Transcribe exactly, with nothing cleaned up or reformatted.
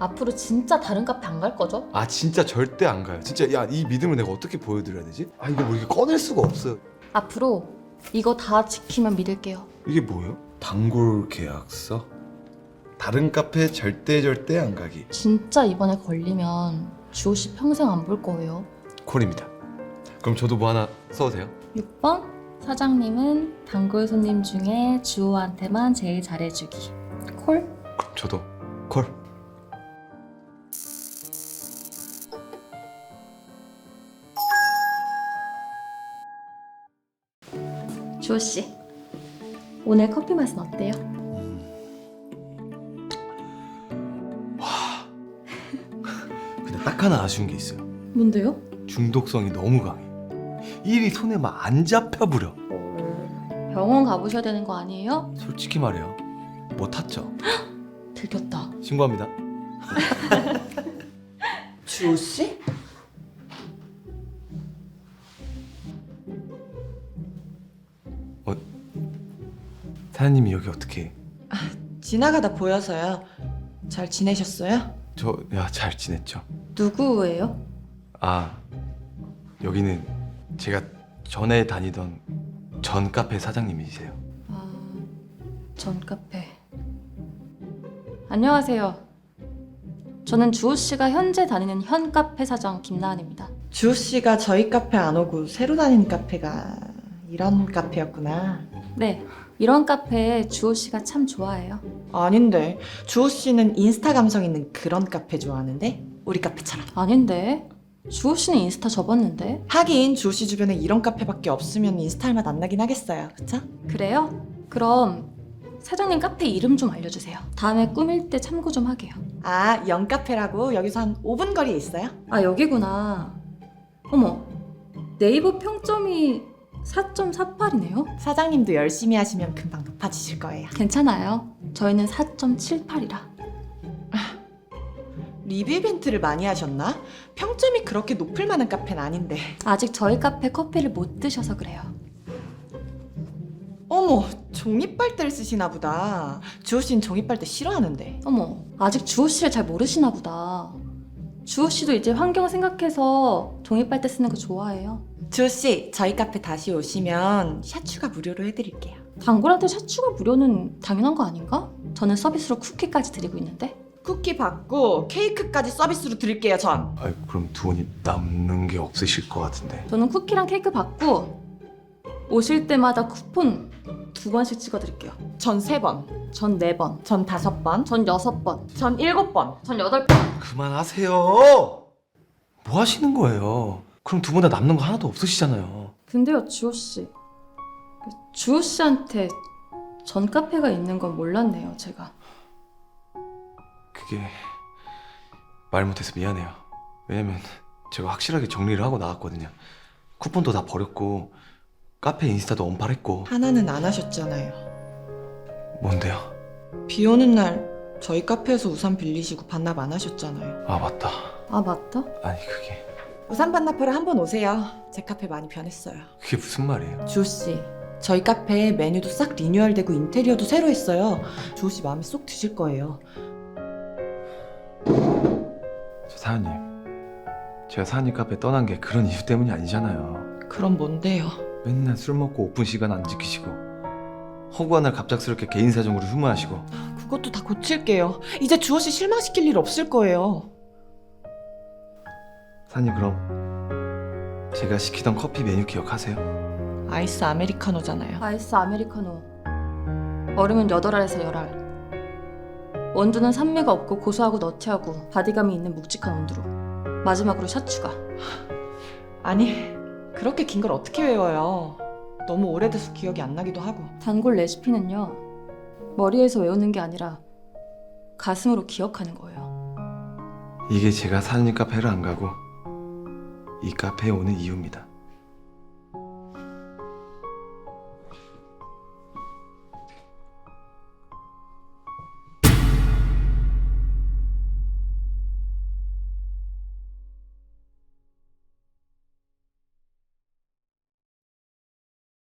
앞으로 진짜 다른 카페 안 갈 거죠? 아 진짜 절대 안 가요. 진짜 야 이 믿음을 내가 어떻게 보여드려야 되지? 아 이거 뭐 이게 꺼낼 수가 없어요. 앞으로 이거 다 지키면 믿을게요. 이게 뭐예요? 단골 계약서? 다른 카페 절대 절대 안 가기. 진짜 이번에 걸리면 주호 씨 평생 안 볼 거예요. 콜입니다. 그럼 저도 뭐 하나 써도 돼요? 육 번 사장님은 단골 손님 중에 주호한테만 제일 잘해주기. 콜? 그럼 저도 콜. 주호 씨, 오늘 커피 맛은 어때요? 근데 딱 하나 아쉬운 게 있어요. 뭔데요? 중독성이 너무 강해. 일이 손에 막 안 잡혀버려. 병원 가보셔야 되는 거 아니에요? 솔직히 말해요. 못 탔죠? 들켰다. 신고합니다. 주호 씨? 사장님이 여기 어떻게? 지나가다 보여서요. 잘 지내셨어요? 저 야 잘 지냈죠? 누구예요? 아 여기는 제가 전에 다니던 전 카페 사장님이세요. 아, 전 카페. 안녕하세요. 저는 주호 씨가 현재 다니는 현 카페 사장 김나은입니다. 주호 씨가 저희 카페 안 오고 새로 다니는 카페가 이런 카페였구나. 네, 이런 카페 주호 씨가 참 좋아해요. 아닌데 주호 씨는 인스타 감성 있는 그런 카페 좋아하는데 우리 카페처럼. 아닌데? 주호 씨는 인스타 접었는데? 하긴 주호 씨 주변에 이런 카페밖에 없으면 인스타 할 맛 안 나긴 하겠어요. 그쵸? 그래요? 그럼 사장님 카페 이름 좀 알려주세요. 다음에 꾸밀 때 참고 좀 하게요. 아, 영카페라고 여기서 한 오 분 거리에 있어요? 아, 여기구나. 어머, 네이버 평점이 사 점 사팔이네요? 사장님도 열심히 하시면 금방 높아지실 거예요. 괜찮아요. 저희는 사 점 칠팔이라. 리뷰 이벤트를 많이 하셨나? 평점이 그렇게 높을 만한 카페는 아닌데. 아직 저희 카페 커피를 못 드셔서 그래요. 어머, 종이빨대를 쓰시나 보다. 주호 씨는 종이빨대 싫어하는데. 어머, 아직 주호 씨를 잘 모르시나 보다. 주호 씨도 이제 환경 생각해서 종이빨대 쓰는 거 좋아해요. 주호 씨, 저희 카페 다시 오시면 샤추가 무료로 해드릴게요. 단골한테 샤추가 무료는 당연한 거 아닌가? 저는 서비스로 쿠키까지 드리고 있는데. 쿠키 받고 케이크까지 서비스로 드릴게요, 전. 아 그럼 두 분이 남는 게 없으실 것 같은데. 저는 쿠키랑 케이크 받고 오실 때마다 쿠폰 두 번씩 찍어드릴게요. 전 세 번, 전 네 번, 전 다섯 번, 전 여섯 번, 전 일곱 번. 전 여덟 번. 그만하세요. 뭐 하시는 거예요? 그럼 두 분 다 남는 거 하나도 없으시잖아요. 근데요, 주호 씨. 그 주호 씨한테 전 카페가 있는 건 몰랐네요, 제가. 그게 말 못해서 미안해요. 왜냐면 제가 확실하게 정리를 하고 나왔거든요. 쿠폰도 다 버렸고 카페 인스타도 언팔했고. 하나는 안 하셨잖아요. 뭔데요? 비 오는 날 저희 카페에서 우산 빌리시고 반납 안 하셨잖아요. 아 맞다. 아, 맞다? 아니 그게 우산 반납하러 한번 오세요. 제 카페 많이 변했어요. 그게 무슨 말이에요? 주호 씨, 저희 카페 메뉴도 싹 리뉴얼되고 인테리어도 새로 했어요. 주호 씨 마음에 쏙 드실 거예요. 저 사장님, 제가 사장님 카페 떠난 게 그런 이유 때문이 아니잖아요. 그럼 뭔데요? 맨날 술 먹고 오픈 시간 안 지키시고 허구한 날 갑작스럽게 개인 사정으로 휴무하시고. 그것도 다 고칠게요. 이제 주호 씨 실망시킬 일 없을 거예요. 사장님 그럼 제가 시키던 커피 메뉴 기억하세요? 아이스 아메리카노잖아요. 아이스 아메리카노. 얼음은 여덟 알에서 열 알. 원두는 산미가 없고 고소하고 너티하고 바디감이 있는 묵직한 원두로. 마지막으로 샤추가. 아니, 그렇게 긴 걸 어떻게 외워요? 너무 오래돼서 기억이 안 나기도 하고. 단골 레시피는요, 머리에서 외우는 게 아니라 가슴으로 기억하는 거예요. 이게 제가 사장님 카페를 안 가고 이 카페에 오는 이유입니다.